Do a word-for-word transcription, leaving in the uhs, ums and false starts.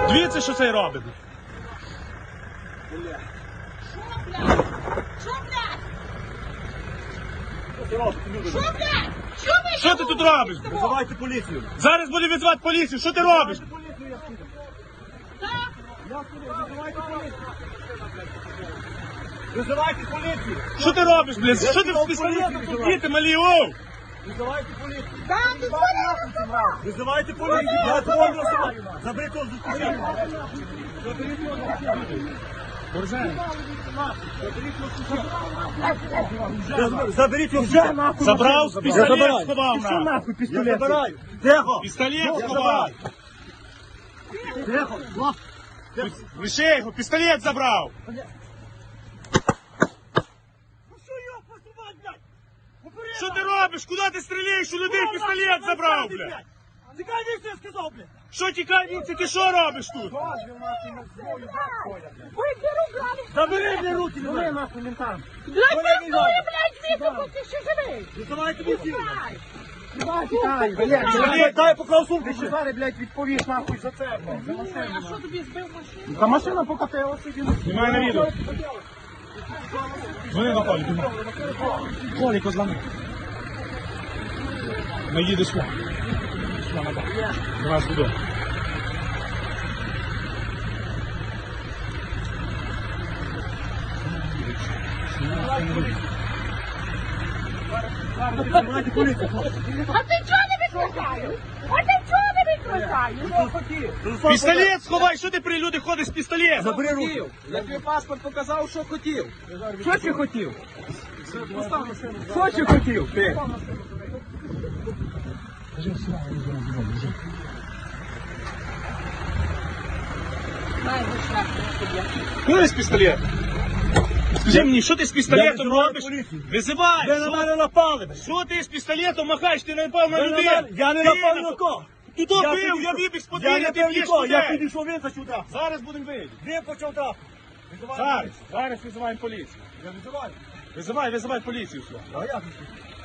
Дивіться, що цей робить. Що, блядь? Що, блядь? Що, блядь? Що ви? Що ти тут робиш? Визивайте поліцію. Зараз буде відзвати поліцію. Що ти робиш? Так? Визивайте поліцію. Визивайте поліцію. Що ти робиш, блядь? Що ти в пістолетом тут діти малі, оу? Визивайте поліцію. Так, ти що не розумієш? Визивайте поліцію. Я твою визиваю. Заберіть його з кишені. Заберіть його вже нахуй. Забрав, Я пістолет забираю. сховав. Що на. нахуй пістолет? Я забираю. Тихо. Пістолет сховав. Тихо. Лише його, пістолет забрав. Ну що його посувати, блядь? Попереду. Що ти робиш? Куди ти стріляєш? У людей пістолет забрав, блядь. Тікай, ніхто я сказав, блядь. Що тікай, віці, ти що робиш тут? Вийди руками. Забери мені руки, не нахуй ментам. Блядь, перестань, блядь, звідти, бо ти ще живий. Визивайте поліцію. Тікай, блядь, Чоловік, дай поклав сумку. ти ще зараз, блядь, відповіш нахуй за це, блядь, за машину. А що тобі збив машину? Та машина покатилася, він... Знімай на відео. Вони на полі, думаю. Колі, козлами. Не їдеш сюди. До нас додому. Визивайте поліцію. А ти чого не відключаєш? А ти чого не відключаєш? Пістолет сховай, що ти при люди ходиш з пістолетом? Забери руки. Я тобі паспорт показав, що хотів. Що ти хотів? Що ти хотів, ти? Куди з пістолетом? Скажи мені, що ти з пістолетом визиваю робиш? поліцію. Визивай! Ви на мене напали, блядь. Що ти з пістолетом махаєш? Ти не напав на Ви на людей! мене- Я не Ти напав на- ні на кого. Ти то Я бив, підійшов- я вибіг з Я подвір'я, не ти бив б'єш нікого, я людей! підійшов, він сюди. Зараз будемо вийти. Він почав трапити. Визивайте Зараз, поліцію. зараз визиваємо поліцію. Я визиваю. Визивай, визивай поліцію сюди. А як?